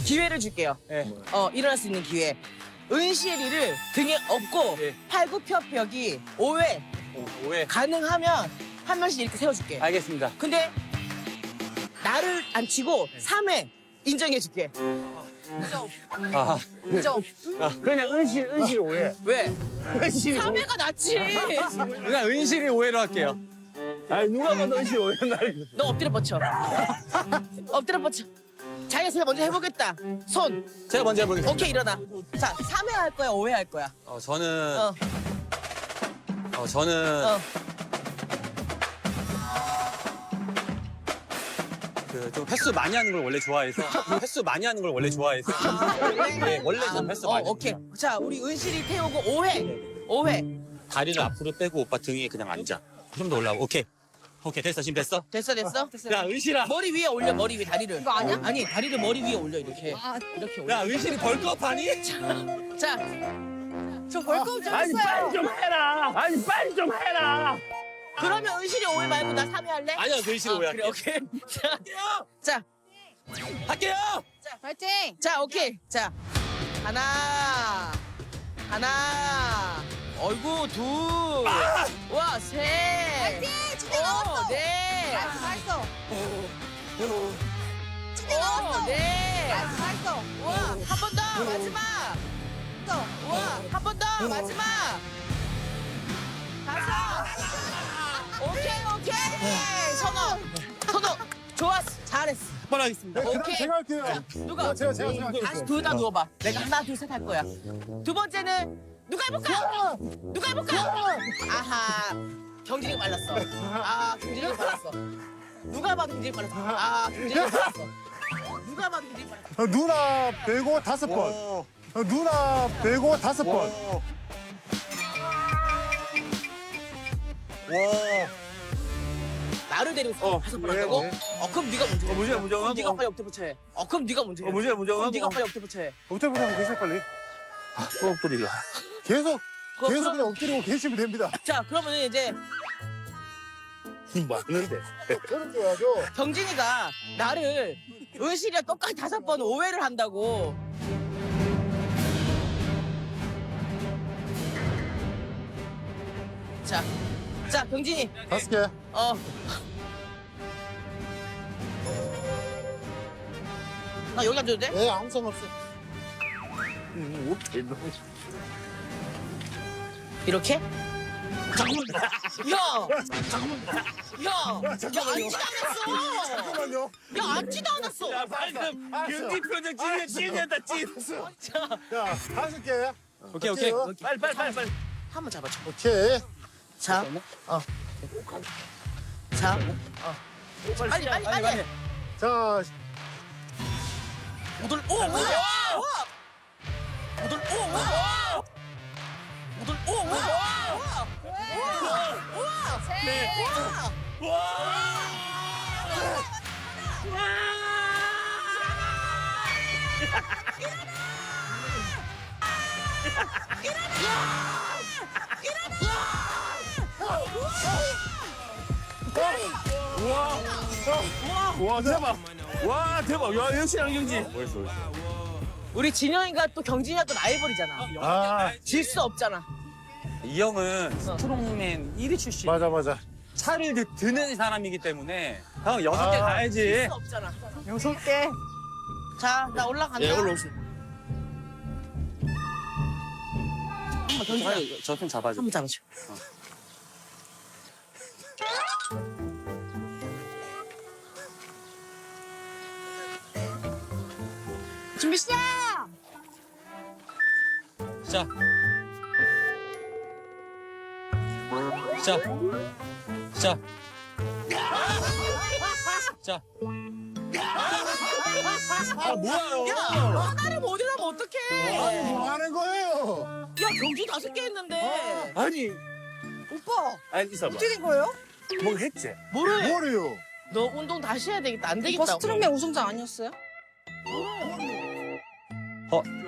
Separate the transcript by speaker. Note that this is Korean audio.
Speaker 1: 기회를 줄게요.
Speaker 2: 네.
Speaker 1: 일어날 수 있는 기회. 은실이를 등에 업고
Speaker 2: 네.
Speaker 1: 팔굽혀펴기 5회
Speaker 2: 오해.
Speaker 1: 가능하면 한 명씩 이렇게 세워줄게.
Speaker 2: 알겠습니다.
Speaker 1: 근데 나를 안 치고 3회 인정해줄게.
Speaker 2: 아,
Speaker 1: 인정.
Speaker 3: 그냥 은실 오해.
Speaker 1: 왜?
Speaker 3: 은실
Speaker 1: 3회가 낫지.
Speaker 2: 그냥 은실이 오해로 할게요.
Speaker 3: 아니 누가 봐도 은실 오해 날.
Speaker 1: 너 엎드려 뻗쳐. 엎드려 뻗쳐. 자기가 제일 먼저 해보겠다. 손.
Speaker 2: 제가 먼저 해보겠습니다.
Speaker 1: 오케이, 일어나. 자, 3회 할 거야, 5회 할 거야?
Speaker 2: 저는
Speaker 1: 어.
Speaker 2: 저는
Speaker 1: 어.
Speaker 2: 그 좀 횟수 많이 하는 걸 원래 좋아해서 횟수 많이 하는 걸 원래 좋아해서 네, 원래 좀 횟수 많이.
Speaker 1: 오케이. 자, 우리 은실이 태우고 5회. 5회.
Speaker 2: 다리를 앞으로 빼고 오빠 등에 그냥 앉아. 좀 더 올라오고. 오케이. 오케이 됐어 지금 됐어.
Speaker 1: 됐어?
Speaker 2: 야 은실아.
Speaker 1: 머리 위에 올려, 머리 위에 다리를. 이거 아니야? 아니, 다리를 머리 위에 올려, 이렇게. 이렇게 올려.
Speaker 2: 야 은실이 벌크업하니?
Speaker 1: 자, 저 벌금 좀
Speaker 3: 아니 빨리 좀 해라. 아니 빨리 좀 해라.
Speaker 1: 그러면 은실이 5회 말고 나 3회 할래?
Speaker 2: 아니야 은실이 오해
Speaker 1: 그래,
Speaker 2: 할게.
Speaker 1: 오케이. 자,
Speaker 2: 할게요.
Speaker 4: 파이팅!
Speaker 1: 자, 오케이. 자, 하나. 어이구, 둘. 와, 셋.
Speaker 4: 파이팅! 진짜 나왔어!
Speaker 1: 넷.
Speaker 4: 잘했어! 진짜
Speaker 1: 오,
Speaker 4: 나왔어!
Speaker 1: 넷.
Speaker 4: 잘했어!
Speaker 1: 와, 한 번 더. 마지막. 와, 한 번 더. 마지막. 다섯. 오케이. 선호. 좋았어. 잘했어.
Speaker 2: 한번 하겠습니다.
Speaker 1: 오케이.
Speaker 3: 제가 할게요.
Speaker 1: 누가?
Speaker 3: 제가
Speaker 1: 다시 둘 다 누워봐. 내가 하나, 둘, 셋 할 거야. 두 번째는 누가 해볼까? 누가 해볼까? 아하. 경진이가 말랐어. 경진이가 말랐어. 누가 봐도 경진이가 말랐어. 경진이가 말랐어. 누가 봐도 경진이가 말랐어.
Speaker 3: 누나 빼고 5번. 누나 빼고 5번.
Speaker 1: 나를 데리고 다섯 번 한다고? 그럼 네가 먼저 해.
Speaker 3: 문제가
Speaker 1: 그럼 네가 빨리 엎드려 해. 그럼 네가 먼저 해.
Speaker 3: 문제가
Speaker 1: 그럼 네가 빨리 엎드려 해.
Speaker 3: 엎드려보자 계속 빨리. 또 엎드리려. 계속 그냥 엎드리고 계시면 됩니다.
Speaker 1: 자, 그러면 이제
Speaker 3: 맞는데. 그렇게 해야죠.
Speaker 1: 경진이가 나를 은실이랑 똑같이 5번 5회를 한다고. 자, 경진이.
Speaker 3: 5개.
Speaker 1: 나 여기 앉아도 돼?
Speaker 3: 예, 아무 상관없어.
Speaker 1: 이렇게? 잠깐만. 야, 앉지도 않았어.
Speaker 3: 잠깐만요.
Speaker 1: 야, 앉지도 않았어.
Speaker 3: 방금
Speaker 2: 경기 표정 찐했다 찐.
Speaker 3: 자, 5개.
Speaker 2: 오케이.
Speaker 3: 빨리.
Speaker 1: 한번 잡아줘.
Speaker 3: 오케이.
Speaker 1: 자, 자, 빨리.
Speaker 3: 자,
Speaker 1: 오돌, 오, 우와! 오돌, 오, 우와! 오돌, 오, 우와! 우와!
Speaker 4: 셋!
Speaker 3: 와, 대박.
Speaker 2: 와 대박. 야 역시 양경지.
Speaker 1: 우리 진영이가 또 경진이가 또 라이벌이잖아.
Speaker 3: 아,
Speaker 1: 질 수 없잖아.
Speaker 2: 이 형은 스트롱맨 1위 출신.
Speaker 3: 맞아.
Speaker 2: 차를 드는 사람이기 때문에 형 6개
Speaker 3: 아,
Speaker 1: 질
Speaker 2: 가야지.
Speaker 1: 수 없잖아. 6개. 자, 나 올라간다.
Speaker 2: 올라오세요. 저좀 잡아줘.
Speaker 1: 한번 잡아줘.
Speaker 4: 준비 시작!
Speaker 2: 자. 자. 자. 자. 뭐야?
Speaker 1: 야, 하나를 못 일하면 어떡해.
Speaker 3: 뭐 하는 거예요?
Speaker 1: 야, 경진 5개 했는데.
Speaker 3: 아니,
Speaker 4: 오빠!
Speaker 3: 아니, 있어봐.
Speaker 4: 어떻게 된 거예요?
Speaker 3: 뭐 했지?
Speaker 1: 뭐를?
Speaker 3: 뭐래요?
Speaker 1: 너 운동 다시 해야 되겠다. 안 되겠다.
Speaker 4: 오빠 스트롱맨 우승자 아니었어요?